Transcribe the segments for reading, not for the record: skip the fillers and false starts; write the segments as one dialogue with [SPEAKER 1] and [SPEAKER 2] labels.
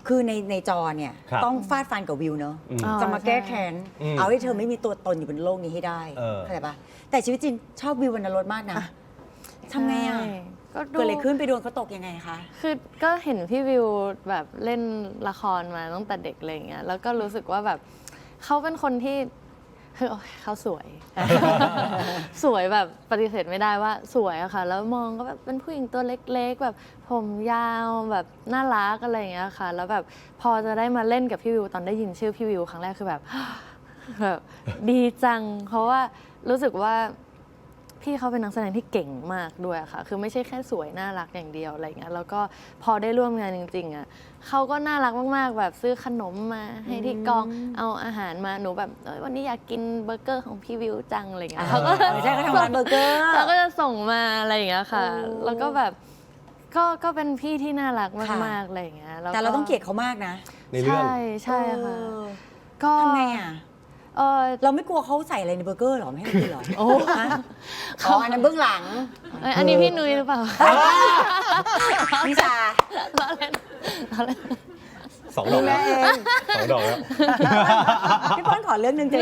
[SPEAKER 1] คือในจอเนี่ยต้องฟาดฟันกับวิวเนอะจะมาแก้แค้นเอาให้เธอไม่มีตัวตนอยู่บนโลกนี้ให้ได้เข้าใจปะแต่ชีวิตจริงชอบวิววรรณรสมากนะทำไงอ่ะเกิดอะไรขึ้นไปโดนเขาตกยังไงคะ
[SPEAKER 2] คือก็เห็นพี่วิวแบบเล่นละครมาตั้งแต่เด็กอะไรอย่างเงี้ยแล้วก็รู้สึกว่าแบบเขาเป็นคนที่คือเขาสวย สวยแบบปฏิเสธไม่ได้ว่าสวยอะค่ะแล้วมองก็แบบเป็นผู้หญิงตัวเล็กๆแบบผมยาวแบบน่ารักอะไรอย่างเงี้ยค่ะแล้วแบบพอจะได้มาเล่นกับพี่วิวตอนได้ยินชื่อพี่วิวครั้งแรกคือแบบ แบบดีจังเพราะว่ารู้สึกว่าพี่เขาเป็นนักแสดงที่เก่งมากด้วยค่ะคือไม่ใช่แค่สวยน่ารักอย่างเดียวอะไรเงี้ยแล้วก็พอได้ร่วมงานจริงๆอ่ะเขาก็น่ารักมากๆแบบซื้อขนมมาให้ที่กองเอาอาหารมาหนูแบบวันนี้อยากกินเบอร์เกอร์ของพี่วิวจังอะไรเงี้ยเขาก็
[SPEAKER 1] ใช่เขาทำร้านเบอร์เกอร์
[SPEAKER 2] เขาก็จะส่งมาอะไรอย่างเงี้ยค่ะแล้วก็แบบก็เป็นพี่ที่น่ารักมากๆอะไรอย่างเงี้ย
[SPEAKER 1] แต่เราต้องเกลียดเขามากนะ
[SPEAKER 3] ในเรื่อง
[SPEAKER 2] ใช่ค่ะก็
[SPEAKER 1] ทำไงอ่ะเราไม่กลัวเขาใส่อะไรในเบอร์เกอร์หรอไม่ให้กินหรอ
[SPEAKER 2] โอ้
[SPEAKER 1] อันนั้นเบื้องหลัง
[SPEAKER 2] อันนี้พี่นุ้ยหรือเปล่า
[SPEAKER 1] นิชา
[SPEAKER 2] ล้อเล่น
[SPEAKER 3] 2 ดอกแล้ว2 ดอกแล้ว
[SPEAKER 1] พี่ป้อนขอเรื่องหนึ่งเจน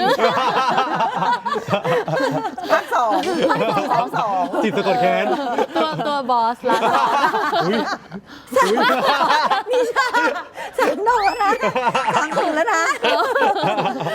[SPEAKER 1] ภาค 2
[SPEAKER 3] จิตสะกดแค้น
[SPEAKER 2] ตัวบอสละ
[SPEAKER 1] นิชา3 ดอกแล้วนะ3 คนแล้วนะ